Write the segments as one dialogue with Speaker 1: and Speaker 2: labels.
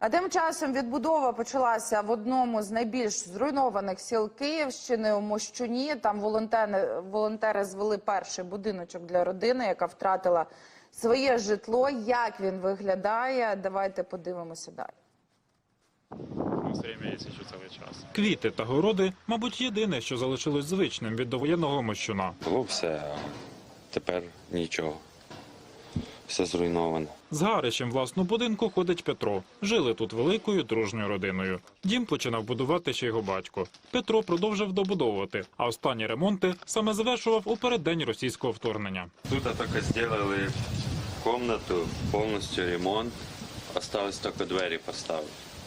Speaker 1: А тим часом відбудова почалася в одному з найбільш зруйнованих сіл Київщини – у Мощуні. Там волонтери звели перший будиночок для родини, яка втратила своє житло. Як він виглядає? Давайте подивимося далі.
Speaker 2: Квіти та городи, мабуть, єдине, що залишилось звичним від довоєнного Мощуна.
Speaker 3: Було все, а тепер нічого. Все зруйновано.
Speaker 2: З Гаричем власну будинку ходить Петро. Жили тут великою дружньою родиною. Дім починав будувати ще його батько. Петро продовжив добудовувати, а останні ремонти саме завершував у переддень російського вторгнення.
Speaker 3: Тут тільки зробили кімнату, повністю ремонт. Осталось тільки двері поставити.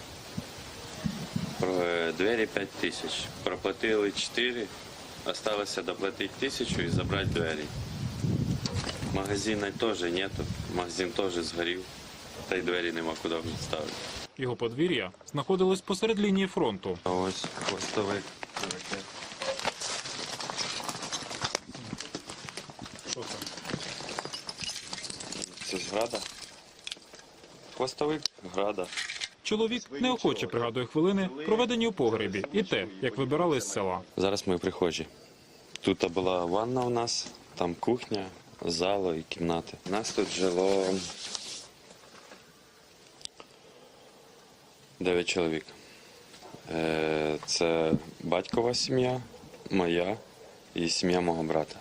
Speaker 3: Двері 5 тисяч. Проплатили 4, залишилося доплатити 1000 і забрати двері. Магазина теж нету, магазин теж згорів, та й двері нема куди ставити.
Speaker 2: Його подвір'я знаходилось посеред лінії фронту.
Speaker 3: А ось хвостовик. Це ж Града. Хвостовик Града.
Speaker 2: Чоловік неохоче пригадує хвилини, проведені у погребі, і те, як вибирали з села.
Speaker 3: Зараз ми в прихожі. Тут була ванна у нас, там кухня, зала і кімнати. У нас тут жило 9 чоловік. Це батькова сім'я, моя і сім'я мого брата.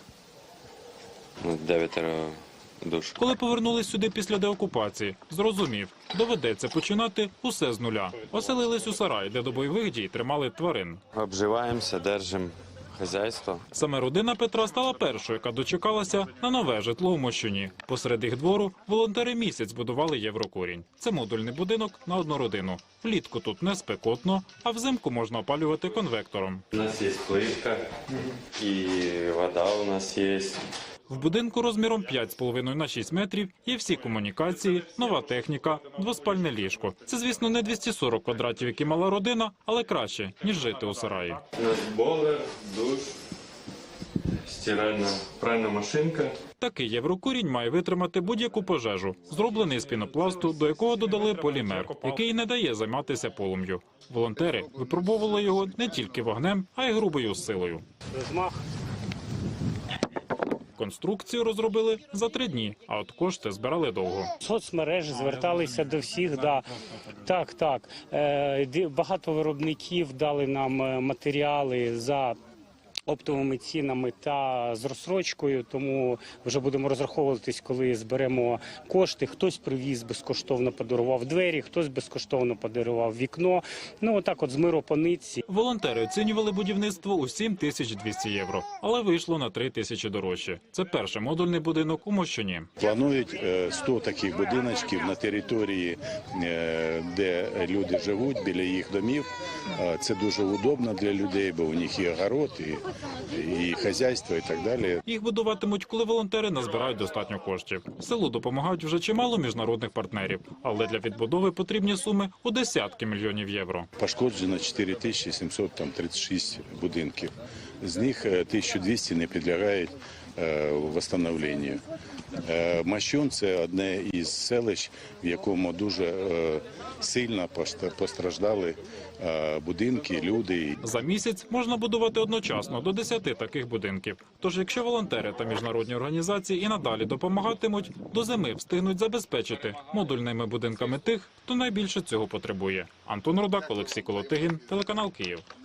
Speaker 3: 9 душ.
Speaker 2: Коли повернулись сюди після деокупації, зрозумів, доведеться починати усе з нуля. Оселились у сарай, де до бойових дій тримали тварин.
Speaker 3: Обживаємося, держимо хазяйство.
Speaker 2: Саме родина Петра стала першою, яка дочекалася на нове житло у Мощуні. Посеред їх двору волонтери місяць будували Єврокурінь. Це модульний будинок на одну родину. Влітку тут не спекотно, а взимку можна опалювати конвектором.
Speaker 3: У нас є плитка і вода у нас є.
Speaker 2: В будинку розміром 5,5 на 6 метрів є всі комунікації, нова техніка, двоспальне ліжко. Це, звісно, не 240 квадратів, які мала родина, але краще, ніж жити у сараї.
Speaker 3: У нас бойлер, душ, стиральна пральна машинка.
Speaker 2: Такий Єврокурінь має витримати будь-яку пожежу, зроблений з пінопласту, до якого додали полімер, який не дає займатися полум'ю. Волонтери випробовували його не тільки вогнем, а й грубою силою. Конструкцію розробили за 3 дні, а от кошти збирали довго.
Speaker 4: Соцмережі зверталися до всіх, так. Багато виробників дали нам матеріали за оптовими цінами та з розстрочкою, тому вже будемо розраховуватись, коли зберемо кошти. Хтось привіз, безкоштовно подарував двері, хтось безкоштовно подарував вікно. Отак от з миру по нитці.
Speaker 2: Волонтери оцінювали будівництво у 7200 євро, але вийшло на 3000 дорожче. Це перший модульний будинок у Мощуні.
Speaker 5: Планують 100 таких будиночків на території, де люди живуть, біля їх домів. Це дуже удобно для людей, бо у них є огород і хазяйство, і так далі.
Speaker 2: Їх будуватимуть, коли волонтери назбирають достатньо коштів. Селу допомагають вже чимало міжнародних партнерів, але для відбудови потрібні суми у десятки мільйонів євро.
Speaker 5: Пошкоджено 4736 будинків. З них 1200 не підлягають відновленню. Мощун – це одне із селищ, в якому дуже сильно постраждали будинки, люди.
Speaker 2: За місяць можна будувати одночасно до 10 таких будинків. Тож, якщо волонтери та міжнародні організації і надалі допомагатимуть, до зими встигнуть забезпечити модульними будинками тих, хто найбільше цього потребує. Антон Рудак, Олексій Колотигін, телеканал Київ.